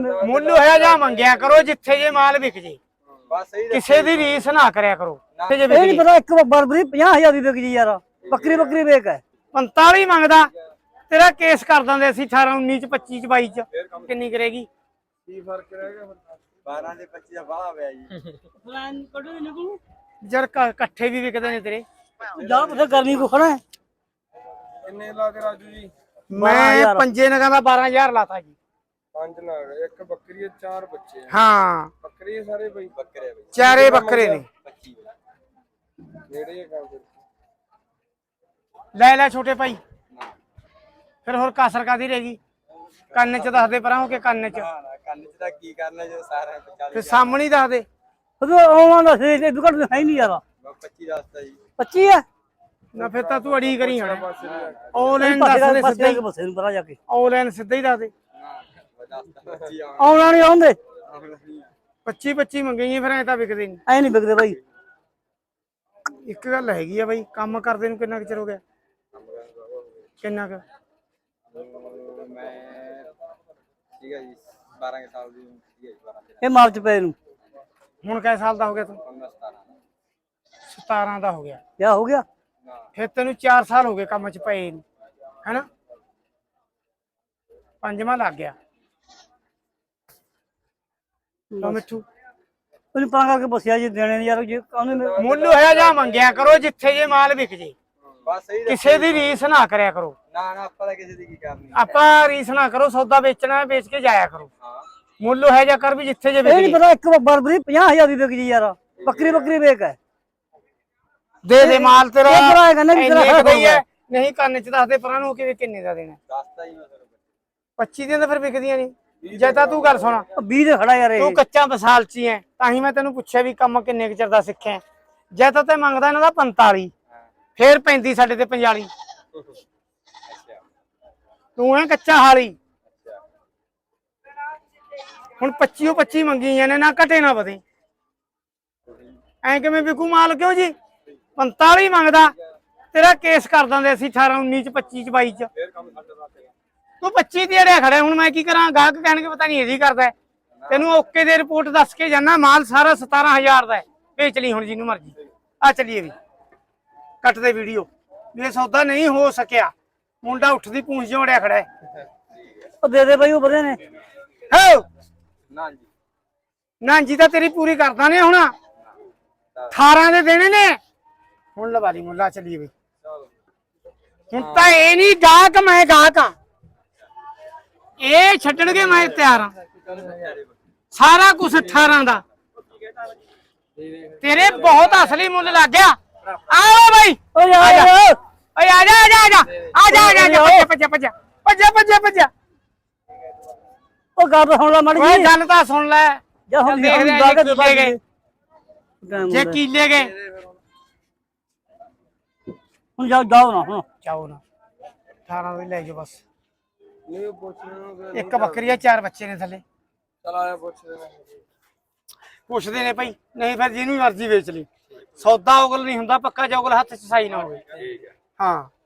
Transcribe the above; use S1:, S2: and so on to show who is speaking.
S1: ਮੁੱਲ ਹੋਇਆ ਜਾਂ ਮੰਗਿਆ ਕਰੋ ਜਿੱਥੇ ਜੇ ਮਾਲ ਵਿਕ ਜੇ।
S2: ਬਸ ਸਹੀ
S1: ਕਿਸੇ ਦੀ ਰੀਸ ਨਾ ਕਰਿਆ ਕਰੋ।
S3: ਇਹ ਨਹੀਂ ਪਤਾ ਇੱਕ ਬਰਬਰੀ 50,000 ਦੀ ਵਿਕ ਜੀ ਯਾਰ। ਬੱਕਰੀ ਵੇਚ ਹੈ
S1: 45 ਮੰਗਦਾ ਤੇਰਾ ਕੇਸ ਕਰ ਦਿੰਦੇ ਅਸੀਂ 18 19 ਚ 25 ਚ 22 ਚ ਕਿੰਨੀ ਕਰੇਗੀ?
S2: ਕੀ ਫਰਕ ਰਹਿ ਗਿਆ 12 ਦੇ 25 ਦਾ ਬਾਹਲਾ ਪਿਆ ਜੀ।
S3: ਪਲਾਨ ਕੱਢੋ ਨਿਕਲੂ
S1: ਜਰ ਇਕੱਠੇ ਵੀ ਵਿਕਦੇ ਨੇ ਤੇਰੇ।
S3: ਜਾ ਪੁੱਛ ਗਰਮੀ ਕੋ ਖੜਾ ਹੈ।
S2: ਕਿੰਨੇ ਲਾ ਕੇ ਰਾਜੂ ਜੀ?
S1: ਮੈਂ ਪੰਜੇ ਨਗਾਂ ਦਾ 12000 ਲਾਤਾ ਜੀ।
S2: 5 ਨਗ, ਇੱਕ ਬੱਕਰੀ, 4 ਬੱਚੇ।
S1: ਹਾਂ
S2: ਬੱਕਰੀ ਸਾਰੇ ਬਈ ਬੱਕਰੇ ਬਈ
S1: ਚਾਰੇ ਬੱਕਰੇ ਨੇ।
S2: 25 ਨੇੜੇ ਕੰਮ ਫਿਰ
S1: ਲੈ ਛੋਟੇ ਭਾਈ ਫਿਰ ਹੋਰ ਕਾਸਰ ਕਾਦੀ ਰਹੇਗੀ? ਕੰਨ ਚ ਦੱਸ ਦੇ ਪਰਾਂ ਹੋ ਕੇ ਕੰਨ ਚ
S2: ਕੰਨ ਚ ਤਾਂ ਕੀ ਕਰਨਾ ਜੇ ਸਾਰਿਆਂ 40
S1: ਫਿਰ ਸਾਹਮਣੇ ਹੀ ਦੱਸ ਦੇ।
S3: ਉਹ ਆਉਣਾ ਦਾ ਸੇ ਇਹ ਦੁਕਾਨ ਹੈ ਨਹੀਂ ਯਾਰ।
S2: 25 ਦੱਸਦਾ ਜੀ।
S3: 25 ਹੈ
S1: ਨਾ ਫਿਰ ਤਾਂ ਤੂੰ ਅੜੀ ਕਰੀ ਹਣ।
S2: ਪਾਸੇ
S1: ਆਨਲਾਈਨ ਦੱਸ ਦੇ ਸਿੱਧਾ ਹੀ।
S3: ਬਸੇ ਨੂੰ ਪਰਾਂ ਜਾ ਕੇ
S1: ਆਨਲਾਈਨ ਸਿੱਧਾ ਹੀ ਦੱਸ ਦੇ।
S2: ਦੱਸਦਾ 25
S3: ਆਉਣਾ ਨਹੀਂ ਆਉਂਦੇ
S1: 25 ਮੰਗੀਏ ਫਿਰ ਐ ਤਾਂ ਵਿਕਦੇ ਨਹੀਂ।
S3: ਐ ਨਹੀਂ ਵਿਕਦੇ ਬਾਈ।
S1: ਇੱਕ ਗੱਲ ਹੈਗੀ ਆ ਬਾਈ, ਕੰਮ ਕਰਦੇ ਨੂੰ ਕਿੰਨਾ ਕੁ ਚਿਰ ਹੋ ਗਿਆ? ਕਿੰਨਾ ਕੁ?
S2: ਮੈਂ ਠੀਕ ਹੈ ਜੀ 12 ਸਾਲ ਦੀ ਠੀਕ ਹੈ ਜੀ 12
S3: ਇਹ ਮਾਰਚ ਪਏ ਨੂੰ
S1: ਹੁਣ ਕਿੰਨੇ ਸਾਲ ਦਾ ਹੋ ਗਿਆ ਤੂੰ? 17 ਦਾ ਹੋ ਗਿਆ।
S3: ਕਿਆ ਹੋ ਗਿਆ?
S1: ਫਿਰ ਤੈਨੂੰ 4 ਸਾਲ ਹੋ ਗਏ ਕੰਮ ਚ ਪਏ ਨੂੰ, ਹੈਨਾ? ਪੰਜਵਾਂ ਲੱਗ ਗਿਆ। ਲੋ ਮਿੱਠੂ
S3: ਉਹਨੂੰ ਪਾ ਕਰਕੇ ਬਸਿਆ ਜੀ ਦੇਣੇ ਨੇ ਯਾਰ। ਜੇ ਉਹਨੇ
S1: ਮੁੱਲ ਹੋਇਆ ਜਾਂ ਮੰਗਿਆ ਕਰੋ ਜਿੱਥੇ ਜੇ ਮਾਲ ਵਿਕ ਜੇ।
S2: ਬਸ ਸਹੀ
S1: ਕਿਸੇ ਦੀ ਰੀਸ ਨਾ ਕਰਿਆ ਕਰੋ।
S2: ਨਾ ਆਪਾਂ ਤਾਂ ਕਿਸੇ ਦੀ ਕੀ ਕਰਨੀ।
S1: ਆਪਾਂ ਰੀਸ ਨਾ ਕਰੋ। ਸੌਦਾ ਵੇਚਣਾ ਵੇਚ ਕੇ ਜਾਇਆ ਕਰੋ।
S2: ਹਾਂ
S1: ਮੁੱਲ ਹੋਇਆ ਜਾਂ ਕਰ ਵੀ ਜਿੱਥੇ ਜੇ
S3: ਇਹ
S1: ਵਿਕ
S3: ਨਹੀਂ
S1: ਜੇ।
S3: ਪਤਾ ਇੱਕ ਬਰਬਰੀ 50,000 ਦੀ ਵਿਕ ਜੀ ਯਾਰ। ਬੱਕਰੀ ਵੇਚ ਹੈ
S1: ਦੇ ਮਾਲ ਤੇਰਾ
S3: ਇਹ ਭਰਾ ਹੈਗਾ ਨਾ ਵੀ ਤੇਰਾ
S1: ਇੰਨੇ ਕੁ ਦਾ ਹੀ ਹੈ।
S3: ਹੈ।
S1: ਨਹੀਂ ਕੰਨ ਚ ਦੱਸ ਦੇ ਪਰਾਂ ਨੂੰ ਕਿ ਕਿੰਨੇ ਦਾ ਦੇਣਾ।
S2: ਦੱਸਦਾ ਹੀ ਮੈਂ ਫਿਰ
S1: 25 ਦੀਆਂ ਤਾਂ ਫਿਰ ਵਿਕਦੀਆਂ ਨਹੀਂ। ਜੇ ਤਾਂ ਤੂੰ ਗੱਲ ਸੁਣ,
S3: 20 ਦੇ ਖੜਾ ਯਾਰ।
S1: ਤੂੰ
S3: ਇਹ
S1: ਕੱਚਾ ਬਸਾਲਚੀ ਐ ਤਾਂ ਹੀ ਮੈਂ ਤੈਨੂੰ ਪੁੱਛਿਆ ਵੀ ਕੰਮ ਕਿੰਨੇ ਕੁ ਚਿਰ ਦਾ ਸਿੱਖਿਆ। ਜੇ ਤਾਂ ਤੇ ਮੰਗਦਾ ਇਹਨਾਂ ਦਾ 45 ਫੇਰ 35 ਸਾਡੇ ਤੇ 45।
S2: ਅੱਛਾ
S1: ਤੂੰ ਐ ਕੱਚਾ ਹਾਲੀ। ਹੁਣ 25 ਮੰਗੀਆਂ ਨੇ, ਨਾ ਘਟੇ ਨਾ ਵਧੇ। ਐ ਕਿਵੇਂ ਵਿਕੂ ਮਾਲ? ਕਿਉਂ ਜੀ? 45 ਮੰਗਦਾ ਤੇਰਾ ਕੇਸ ਕਰ ਦਿੰਦੇ ਅਸੀਂ 18 19 ਚ 25 ਚ 22 ਚ।
S2: ਫੇਰ ਕੰਮ ਸਾਡੇ ਦਾ
S1: ਤੂੰ 25 ਦੀ ਅੜਿਆ ਖੜਾ। ਹੁਣ ਮੈਂ ਕੀ ਕਰਾਂ? ਗਾਹਕ ਕਹਿਣਗੇ ਪਤਾ ਨਹੀਂ ਇਹਦੀ ਕਰਦਾ। ਤੈਨੂੰ ਓਕੇ ਦੇ ਰਿਪੋਰਟ ਦੱਸ ਕੇ ਜਾਣਾ। ਮਾਲ ਸਾਰਾ 17,000 ਦਾ ਹੈ। ਵੇਚ ਲਈ ਹੁਣ ਜਿਹਨੂੰ ਮਰਜੀ। ਆ ਚੱਲੀਏ ਵੀ ਕੱਟ ਦੇ ਵੀਡੀਓ ਵੀ ਇਹ ਸੌਦਾ ਨਹੀਂ ਹੋ ਸਕਿਆ। ਮੁੰਡਾ ਉੱਠਦੀ ਪੂੰਛ ਜੋੜਿਆ ਖੜਾ ਹੈ।
S3: ਉਹ ਦੇ ਬਾਈ ਉਹ ਵਧੇ ਨੇ।
S1: ਹੋ
S2: ਨਾ ਜੀ
S1: ਨਾ ਜੀ ਤਾਂ ਤੇਰੀ ਪੂਰੀ ਕਰਦਾ ਨੇ। ਹੁਣ 18 ਦੇ ਦੇਣੇ ਨੇ। ਹੁਣ ਲਵਾ ਲਈ ਮੁੱਲਾ। ਚੱਲੀਏ ਵੀ ਹੁਣ ਤਾਂ ਇਹ ਨਹੀਂ ਗਾਹਕ, ਮੈਂ ਗਾਹਕ ਆ। ਇਹ ਛੱਡਣਗੇ ਮੈਂ ਤਿਆਰ ਹਾਂ। ਸਾਰਾ ਕੁਝ 18 ਦਾ ਤੇਰੇ ਬਹੁਤ ਅਸਲੀ ਮੁੱਲ ਲੱਗ ਗਿਆ। ਆਓ ਬਾਈ
S3: ਓਏ ਆ ਜਾ
S1: ਓਏ ਆ ਜਾ ਆ ਜਾ ਆ ਜਾ ਆ ਜਾ ਭੱਜ।
S3: ਉਹ ਗੱਲ ਸੁਣ ਲੈ ਮਾੜੀ
S1: ਓਏ
S3: ਜੀ।
S1: ਗੱਲ ਤਾਂ ਸੁਣ ਲੈ।
S3: ਜਾ ਹੁਣ
S1: ਦੇਖ ਰਿਹਾ
S3: ਜਾ ਕੇ
S1: ਜੇ ਕੀਲੇ ਗਏ। ਜੇ ਕੀਲੇ ਗਏ
S3: ਹੁਣ ਜਾਓ ਨਾ ਹੁਣ।
S1: ਜਾਓ ਨਾ 18 ਦੇ ਲੈ ਜਾਓ ਬਸ।
S2: ਨਹੀਂ ਪੁੱਛਣਾ
S1: ਇੱਕ ਬੱਕਰੀ ਆ, 4 ਬੱਚੇ ਨੇ ਥੱਲੇ।
S2: ਚਲ ਆਇਆ
S1: ਪੁੱਛਦੇ ਨੇ ਭਾਈ। ਨਹੀਂ ਫਿਰ ਜਿਹਨੂੰ ਮਰਜ਼ੀ ਵੇਚ ਲਈ। ਸੌਦਾ ਉਗਲ ਨਹੀਂ ਹੁੰਦਾ ਪੱਕਾ, ਜੋਗਲ ਹੱਥ ਚ ਸਾਈ ਨਾ ਹੋਵੇ।
S2: ਠੀਕ ਹੈ
S1: ਹਾਂ